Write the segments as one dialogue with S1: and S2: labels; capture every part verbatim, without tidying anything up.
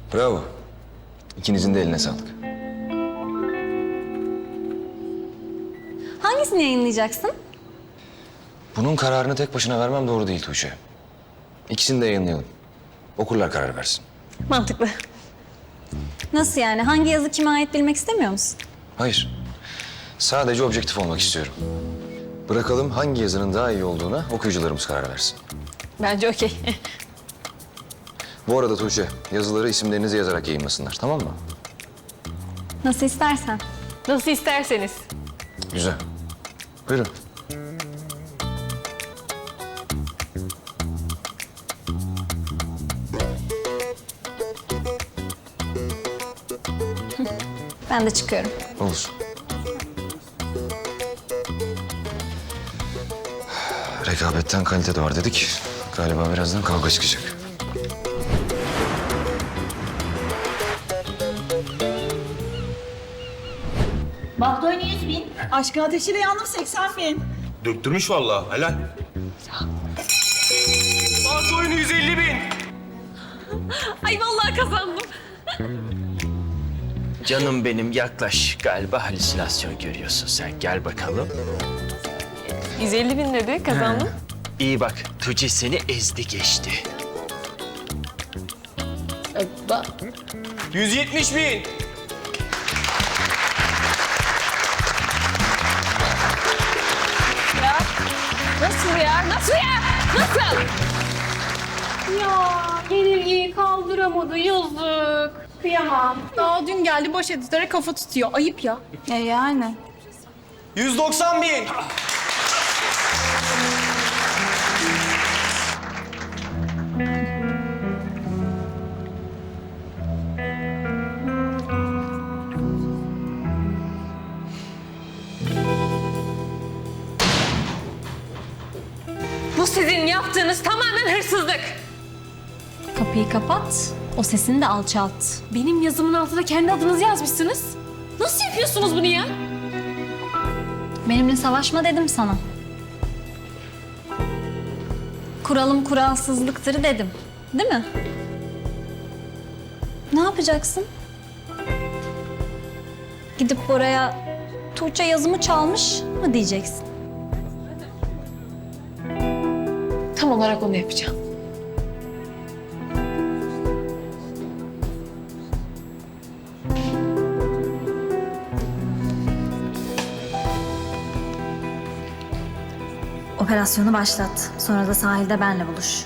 S1: Bravo. İkinizin de eline sağlık.
S2: Hangisini yayınlayacaksın?
S1: Bunun kararını tek başına vermem doğru değil Tuğçe. İkisini de yayınlayalım. Okurlar karar versin.
S2: Mantıklı. Nasıl yani? Hangi yazı kime ait bilmek istemiyor musun?
S1: Hayır. Sadece objektif olmak istiyorum. Bırakalım hangi yazının daha iyi olduğuna okuyucularımız karar versin.
S2: Bence okey.
S1: Bu arada Tuğçe, yazıları isimlerinizi yazarak yayınlasınlar, tamam mı?
S2: Nasıl istersen.
S3: Nasıl isterseniz.
S1: Güzel. Buyurun.
S2: Ben de çıkıyorum.
S1: Olur. Rekabetten kalite de var dedik. Galiba birazdan kavga çıkacak.
S4: Bahdoyne yüz bin.
S5: Aşkın ateşiyle yandım seksen bin.
S6: Döktürmüş vallahi, helal. Bant oyunu yüz elli bin.
S3: Ay vallahi kazandım.
S7: Canım benim yaklaş. Galiba halüsinasyon görüyorsun sen. Gel bakalım.
S3: yüz elli bin dedi, kazandım.
S7: İyi bak. Tuğçe seni ezdi geçti.
S6: yüz yetmiş bin.
S3: Nasıl ya? Nasıl ya? Nasıl? Ya yenilgiyi kaldıramadı, yazık. Kıyamam.
S5: Daha dün geldi boş editöre kafa tutuyor. Ayıp ya.
S2: E yani.
S6: yüz doksan bin.
S3: Bu sizin yaptığınız tamamen hırsızlık.
S2: Kapıyı kapat, o sesini de alçalt.
S3: Benim yazımın altına kendi adınızı yazmışsınız. Nasıl yapıyorsunuz bunu ya?
S2: Benimle savaşma dedim sana. Kuralım kuralsızlıktır dedim. Değil mi? Ne yapacaksın? Gidip oraya Tuğçe yazımı çalmış mı diyeceksin?
S3: Tam olarak onu yapacağım.
S2: Operasyonu başlat. Sonra da sahilde benle buluş.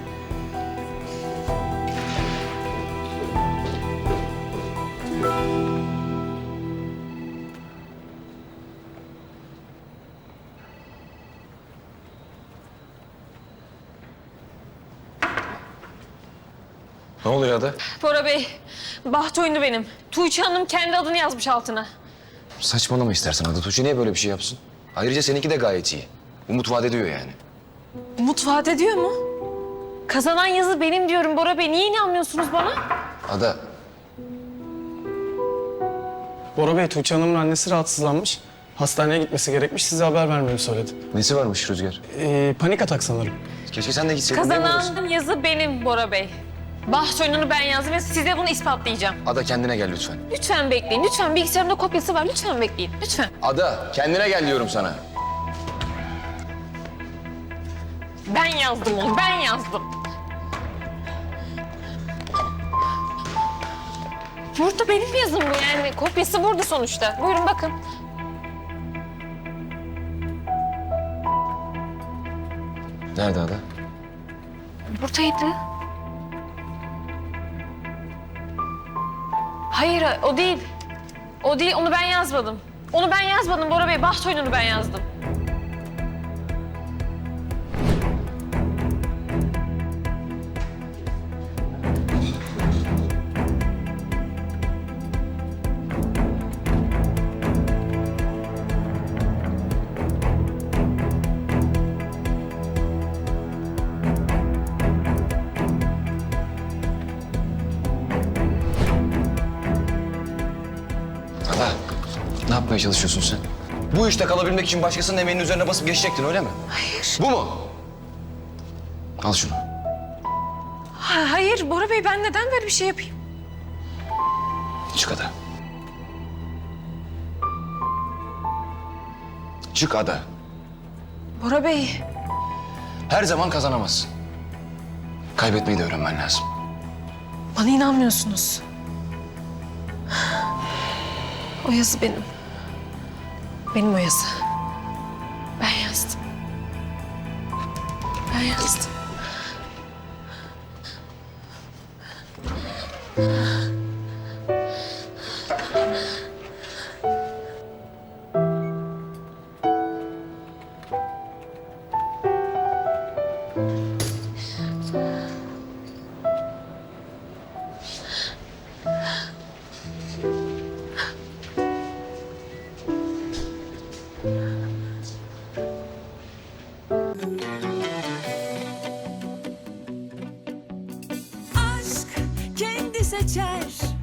S1: Ne oluyor Ada?
S3: Bora Bey, baht oyunu benim. Tuğçe Hanım kendi adını yazmış altına.
S1: Saçmalama istersen Ada. Tuğçe niye böyle bir şey yapsın? Ayrıca seninki de gayet iyi. Umut vaat ediyor yani.
S3: Umut vaat ediyor mu? Kazanan yazı benim diyorum Bora Bey. Niye inanmıyorsunuz bana?
S1: Ada,
S8: Bora Bey, Tuğçe Hanım'ın annesi rahatsızlanmış. Hastaneye gitmesi gerekmiş. Size haber vermemi söyledi.
S1: nesi varmış Rüzgar?
S8: Ee, panik atak sanırım.
S1: Keşke sen de gitseydin. değil mi orası?
S3: Kazanan yazı benim Bora Bey. Baht oyununu ben yazdım ve size bunu ispatlayacağım.
S1: Ada kendine gel lütfen.
S3: Lütfen bekleyin. Lütfen bilgisayarımda kopyası var. Lütfen bekleyin. Lütfen.
S1: Ada, kendine gel diyorum sana.
S3: Ben yazdım onu. Ben yazdım. Burada benim yazım bu yani. Kopyası burada sonuçta. Buyurun bakın.
S1: Nerede Ada?
S3: Buradaydı. Hayır o değil. O değil. Onu ben yazmadım. Onu ben yazmadım Bora Bey. Baht oyununu ben yazdım.
S1: Ada, ne yapmaya çalışıyorsun sen? Bu işte kalabilmek için başkasının emeğinin üzerine basıp geçecektin öyle mi? Hayır. Bu mu? Al şunu.
S3: Ha- hayır Bora Bey ben neden böyle bir şey yapayım?
S1: Çık Ada. Çık Ada.
S3: Bora Bey.
S1: Her zaman kazanamazsın. Kaybetmeyi de öğrenmen lazım.
S3: Bana inanmıyorsunuz. O yazı benim. Benim o yazı. Ben yazdım. Ben yazdım.
S9: aşk kendi seçer.